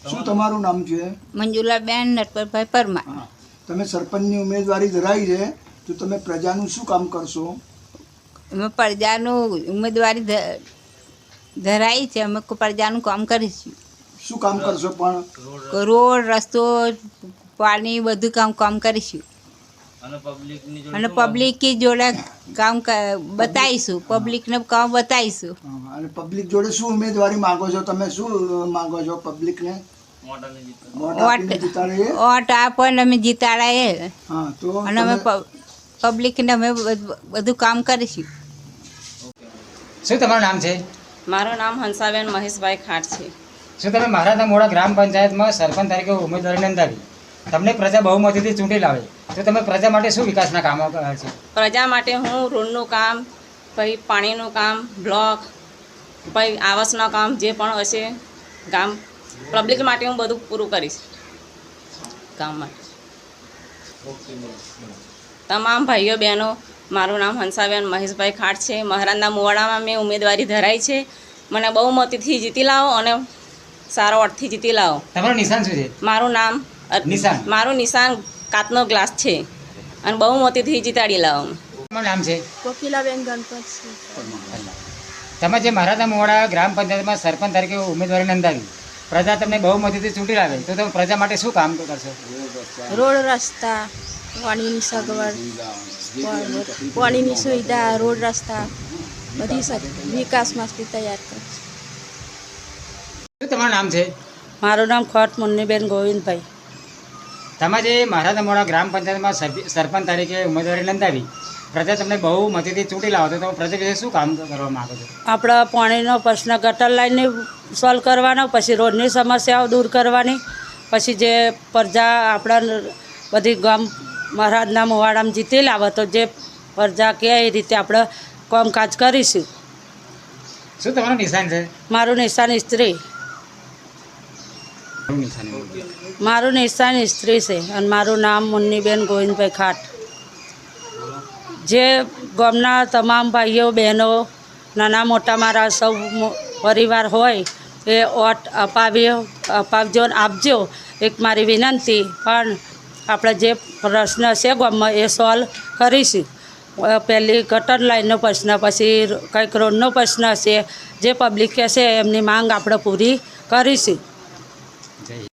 શું તમારું નામ છે? મંજુલાબેન નટવરભાઈ પરમાર. હા, તમે સરપંચની ઉમેદવારી ધરાવી છે, તો તમે પ્રજાનું શું કામ કરશો? અમે પ્રજાનું ઉમેદવારી ધરાઈ છે. અમે પ્રજાનું કામ કરીશું. શું કામ કરશો? પણ રોડ રસ્તો પાણી બધું કામ કરીશું. અને પબ્લિક જોડે કામ બતાવીશું. પબ્લિકને કામ બતાવીશું. અને પબ્લિક જોડે શું ઉમેદવારી માંગો છો? તમે શું માંગો છો પબ્લિકને? ઓટ આપો ને અમે જીતાડાએ. હા, તો અને અમે પબ્લિકને અમે બધું કામ કરીશું. શું તમારું નામ છે? મારું નામ હંસાબેન મહેશભાઈ ખાટ છે. શું તમે મહારાજના મોડા ગ્રામ પંચાયતમાં સરપંચ તરીકે ઉમેદવારી નોંધાવી? તમને પ્રજા બહુમતીથી ચૂંટી લાવે તો તમે પ્રજા માટે શું વિકાસના કામો કરે છે? પ્રજા માટે હું રોડનું કામ, પછી પાણીનું કામ, બ્લોક, પછી આવાસનું કામ જે પણ હશે ગામ પબ્લિક માટે હું બધું પૂરું કરીશ. ગામ માટે તમામ ભાઈઓ બહેનો, મારું નામ હંસાબેન મહેશભાઈ ખાટ છે. મહારાજના મોવાડામાં મેં ઉમેદવારી ધરાઈ છે. મને બહુમતીથી જીતી લાવો અને સારો અર્થથી જીતી લાવો. તમારું નિશાન શું છે? મારું નિશાન કાચનો ગ્લાસ છે અને બહુમતીથી જીતાડી લાવો. તમારું નામ છે? કોકિલાબેન ગણપત છે. તમે જે મહારાજના મોવાડા ગ્રામ પંચાયતમાં સરપંચ તરીકે ઉમેદવારી નોંધાવી, પ્રજા તમને બહુમતીથી ચૂંટી લાવે તો તમે પ્રજા માટે શું કામ કરશો? રોડ રસ્તા, પાણીની સગવડ, પાણીની સુવિધા, રોડ રસ્તા બધી વિકાસ માટે તૈયાર કરે. શું તમારું નામ છે? મારું નામ ખોટ મુન્નીબેન ગોવિંદભાઈ. તમે જે મહારાજના મોવાડા ગ્રામ પંચાયતમાં સરપંચ તરીકે ઉમેદવારી નોંધાવી, પ્રજા તમને બહુમતીથી ચૂંટી લાવો તો તમે પ્રજા વિશે શું કામ કરવા માગો છો? આપણા પાણીનો પ્રશ્ન ગટર લાઈનને સોલ્વ કરવાનો, પછી રોડની સમસ્યાઓ દૂર કરવાની, પછી જે પ્રજા આપણા બધી ગામ મહારાજના મોવાડામાં જીતી લાવે તો જે પ્રજા કહે એ રીતે આપણે કામકાજ કરીશું. શું તમારું નિશાન છે? મારું નિશાન સ્ત્રી. મારું નિશાન સ્ત્રી છે અને મારું નામ મુન્નીબેન ગોવિંદભાઈ ખાટ. જે ગામના તમામ ભાઈઓ બહેનો, નાના મોટા મારા સૌ પરિવાર હોય એ ઓટ અપાવજો ને આપજો. એક મારી વિનંતી. પણ આપણે જે પ્રશ્ન છે ગામમાં એ સોલ્વ કરીશું. પહેલી ગટર લાઈનનો પ્રશ્ન, પછી કંઈક રોડનો પ્રશ્ન છે, જે પબ્લિક કહેશે એમની માંગ આપણે પૂરી કરીશું.